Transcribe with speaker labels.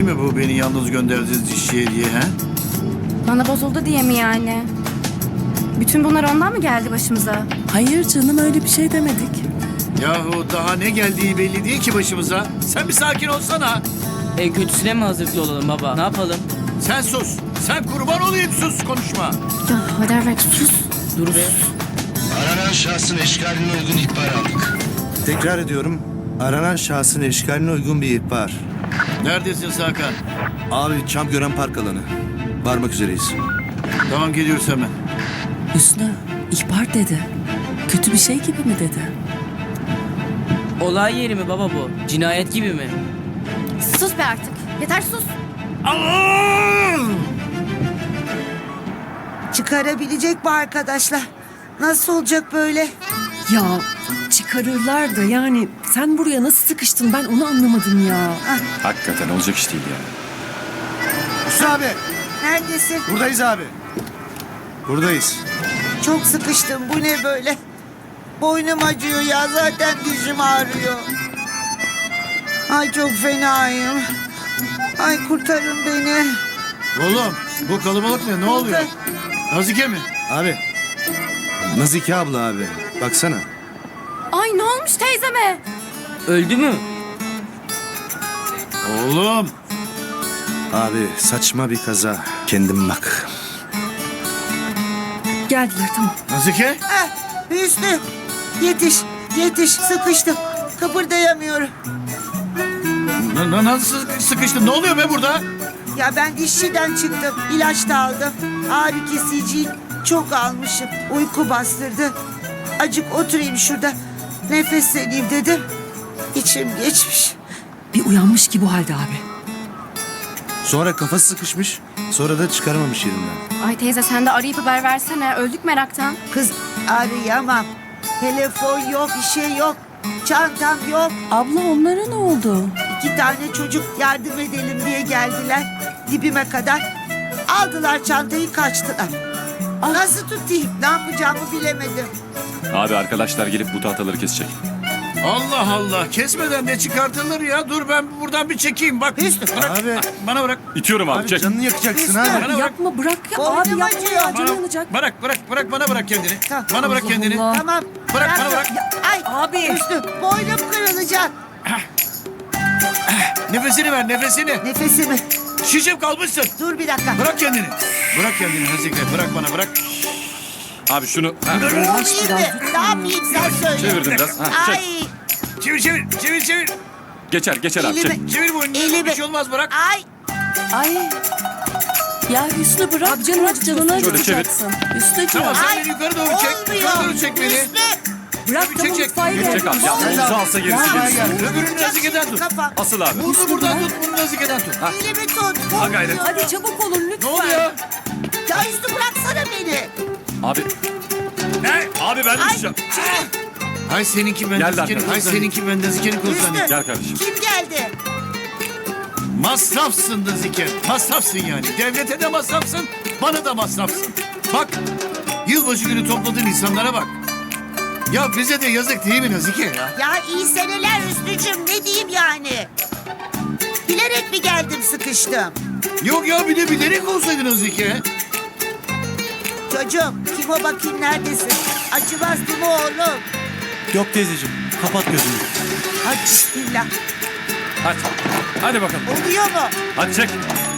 Speaker 1: mi bu beni yalnız gönderdiğiniz dişçiye diye ha?
Speaker 2: Bana bozuldu diye mi yani? Bütün bunlar ondan mı geldi başımıza?
Speaker 3: Hayır canım, öyle bir şey demedik.
Speaker 1: Yahu daha ne geldiği belli değil ki başımıza. Sen bir sakin olsana.
Speaker 4: En kötüsüne mi hazırlıklı olalım baba? Ne yapalım?
Speaker 1: Sen sus. Sen kurban olayım, sus, konuşma.
Speaker 2: Ya Haderberk sus.
Speaker 4: Dur be.
Speaker 5: Aranan şahsın eşkaline uygun ihbar aldık.
Speaker 6: Tekrar ediyorum. Aranan şahsın eşkaline uygun bir ihbar.
Speaker 1: Neredesin Hakan?
Speaker 6: Abi Çamgören Park alanı. Varmak üzereyiz.
Speaker 1: Tamam, geliyoruz hemen.
Speaker 3: Hüsnü, ihbar dedi. Kötü bir şey gibi mi dedi?
Speaker 4: Olay yeri mi baba bu? Cinayet gibi mi?
Speaker 2: Sus be artık. Yeter sus.
Speaker 7: Çıkarabilecek mi arkadaşlar? Nasıl olacak böyle?
Speaker 3: Ya çıkarırlar da yani sen buraya nasıl sıkıştın, ben onu anlamadım ya.
Speaker 8: Hakikaten olacak iş değil ya.
Speaker 6: Hüsnü abi.
Speaker 7: Neredesin?
Speaker 6: Buradayız abi. Buradayız.
Speaker 7: Çok sıkıştım. Bu ne böyle? Boynum acıyor ya. Zaten dizim ağrıyor. Ay çok fenayım. Ay kurtarın beni.
Speaker 1: Oğlum, bu kalabalık ne? Ne oluyor? Nazike mi?
Speaker 6: Abi. Nazike abla abi. Baksana.
Speaker 2: Ay ne olmuş teyzeme?
Speaker 4: Öldü mü?
Speaker 1: Oğlum.
Speaker 6: Abi saçma bir kaza. Kendin bak.
Speaker 3: Geldiler, tamam.
Speaker 1: Nazike?
Speaker 7: Ah, Hüsnü. Yetiş. Yetiş. Sıkıştım. Kıpırdayamıyorum.
Speaker 1: Nasıl sıkıştın? Ne oluyor be burada?
Speaker 7: Ya ben dişçiden çıktım. İlaç da aldım. Ağrı kesiciyi çok almışım. Uyku bastırdı. Acık oturayım şurada. Nefesleneyim dedim. İçim geçmiş.
Speaker 3: Bir uyanmış ki bu halde abi.
Speaker 6: Sonra kafası sıkışmış. Sonra da çıkaramamış yerinden.
Speaker 2: Ay teyze sen de arayıp haber versene. Öldük meraktan.
Speaker 7: Kız arayamam. Telefon yok, bir şey yok. Çantam yok.
Speaker 3: Abla onlara ne oldu?
Speaker 7: 2 tane çocuk yardım edelim diye geldiler. Dibime kadar. Aldılar çantayı, kaçtılar. Nasıl tutayım? Ne yapacağımı bilemedim.
Speaker 8: Abi arkadaşlar gelip bu tahtaları kesecek.
Speaker 1: Allah Allah, kesmeden ne çıkartılır ya? Dur ben buradan bir çekeyim bak.
Speaker 7: Hüsnü.
Speaker 1: Bırak,
Speaker 6: Abi.
Speaker 1: bana bırak.
Speaker 8: İtiyorum abi,
Speaker 6: Abi
Speaker 8: çek.
Speaker 6: canını yakacaksın
Speaker 7: Hüsnü.
Speaker 6: abi.
Speaker 1: Bana bırak.
Speaker 3: Yapma, bırak ya
Speaker 7: Boynum
Speaker 3: abi, yapma
Speaker 7: acıyor.
Speaker 3: ya, canı
Speaker 1: Bana,
Speaker 3: yanacak.
Speaker 1: bırak bana kendini.
Speaker 7: Tamam.
Speaker 1: Bana bırak
Speaker 3: Allah
Speaker 1: kendini.
Speaker 3: Allah.
Speaker 7: Tamam.
Speaker 1: Bırak, bana bırak.
Speaker 7: Ya, ay
Speaker 3: Abi.
Speaker 7: Hüsnü, boynum kırılacak.
Speaker 1: Nefesini ver, nefesini.
Speaker 7: Nefesimi.
Speaker 1: Şişip kalmışsın.
Speaker 7: Dur bir dakika.
Speaker 1: Bırak kendini. Bırak kendini Nazike. Bırak bana, bırak.
Speaker 8: Abi şunu
Speaker 7: Olayım mı? Ne yapayım sen söyle.
Speaker 8: çevirdim biraz. Ha, çek.
Speaker 7: Ay
Speaker 1: Çevir.
Speaker 8: Geçer abi, çek.
Speaker 7: elimi.
Speaker 1: Çevir boynunu.
Speaker 7: Elimi.
Speaker 1: Bir şey olmaz, bırak.
Speaker 7: Ay
Speaker 3: Ay. Ya Hüsnü bırak, canını
Speaker 8: Şöyle çevir.
Speaker 3: acıtacaksın. Hüsnücüğüm.
Speaker 1: Tamam, sen
Speaker 7: Ay,
Speaker 1: beni yukarı doğru çek.
Speaker 7: olmuyor.
Speaker 1: Yukarı doğru çek beni.
Speaker 7: Hüsnü.
Speaker 3: Bırak,
Speaker 1: Çek,
Speaker 3: tamam,
Speaker 1: çek.
Speaker 3: mutfağa gel.
Speaker 8: Çek abi. Ya omuzu alsa gerisi gerisi.
Speaker 1: Öbürünü Nazike'den tut.
Speaker 7: Kafa.
Speaker 8: Asıl abi.
Speaker 1: Bunu buradan tut, bunu Nazike'den tut.
Speaker 7: Elimi tut.
Speaker 8: Ha gayret.
Speaker 3: Hadi çabuk olun lütfen.
Speaker 1: Ne oluyor?
Speaker 7: Ya Hüsnü bıraksana beni.
Speaker 8: Abi.
Speaker 1: Ne?
Speaker 8: Abi ben
Speaker 7: Ay
Speaker 8: düşeceğim.
Speaker 1: Hay seninki ben
Speaker 8: Gel
Speaker 1: Nazike'nin.
Speaker 8: lan.
Speaker 1: Hay seninki ben Nazike'nin konuşanı.
Speaker 7: Hüsnü.
Speaker 8: Gel kardeşim.
Speaker 7: Kim geldi?
Speaker 1: Masrafsın Nazike. Masrafsın yani. Devlete de masrafsın, bana da masrafsın. Bak, yılbaşı günü topladığın insanlara bak. Ya bize de yazık değil mi Nazike ya?
Speaker 7: Ya iyi seneler Hüsnü'cüm, ne diyeyim yani? Bilerek mi geldim, sıkıştım?
Speaker 1: Yok ya, bir de bilerek olsaydı Nazike.
Speaker 7: Çocuğum kim o, bakayım neredesin? Acımaz değil mi oğlum?
Speaker 6: Yok teyzeciğim. Kapat gözünü.
Speaker 7: Hadi bismillah.
Speaker 8: Hadi. Hadi bakalım.
Speaker 7: Oluyor mu?
Speaker 8: Hadi çek.